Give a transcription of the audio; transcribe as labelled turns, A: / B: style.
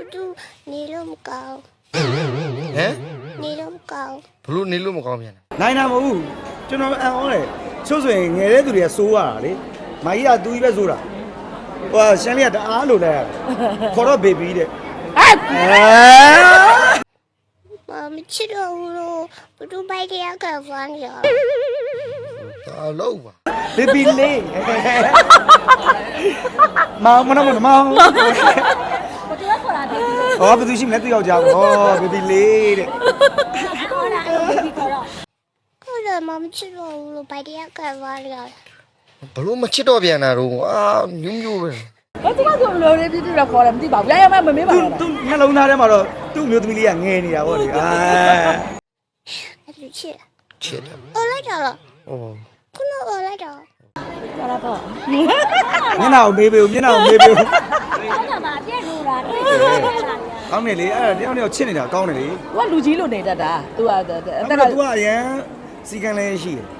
A: တူနေလို့မကောင်း
B: ဟမ်
A: နေလို့မကောင်း
B: ဘလို့နေလို့မကောင်းပြန်လဲ
C: နိုင်တာမဟုတ်ဘူးကျွန်တော်အံ့ဩတယ်ချို့ဆိုရင်ငယ်တဲ့သူတွေကစိုးရတာလေမကြီးကသူကြီးပဲစိုးတာဟိုရှမ်းလေးကတအားလိုလိုက်ရတယ်ခေါ်တော့ဘေဘီတဲ့
A: မချစ်တော့ဘူးလို့ဘသူပိုက်တရားကဖမ်းရ
B: ဒါလို့ပါ
C: ဘေဘီလေးမောင်မနမောင်
D: ဘယ်တော့ခေါ်တာဒီ
C: ဟောဘယ်သူရှိမလဲသူယောက်ျားဟောဘေဘီလေးတဲ့
D: ခေါ်တာဒီခေါ်တော့
A: ကိုယ်ကမချစ်တော့ဘူးလို့ပိုက်တရားကဖမ်းရ
B: ဘလို့မချစ်တော့ပြန်တာတော့အာညူးညူးပဲ
D: ဘာသူကဆိုလိုလေးပြည့်ပြည့်တော့ခေါ်တယ်မသိပါဘူးရရမမမေးပါ
C: သူ
D: လား
C: သူနှလုံးသားထဲမှာတော့သူ့မျိုးသမီးလေးကငယ်နေတာဗောလေအာ
A: အဲ့လိုချစ်
B: ချစ်တယ်
A: အော်လိုက်တော့
B: ဟော
A: ခုနအော်လိုက်တော့
D: ကျလာတော့
C: မျက်နှာကိုမေးပေးဦးမျက်နှာကိုမေးပေးဦး
D: ဟုတ်တယ်မှာပြည့်လို့လားတွေ့တယ်
C: ကောင်းတယ်လေအဲ့ဒါတယောက်တယောက်ချစ်နေတာကောင်းတယ်လေ
D: သူကလူကြီးလို့နေတတ်တာသူကအ
C: အဲ့
D: သက်က
C: တော့ तू ကအရန်စီကံလေးရှိတယ်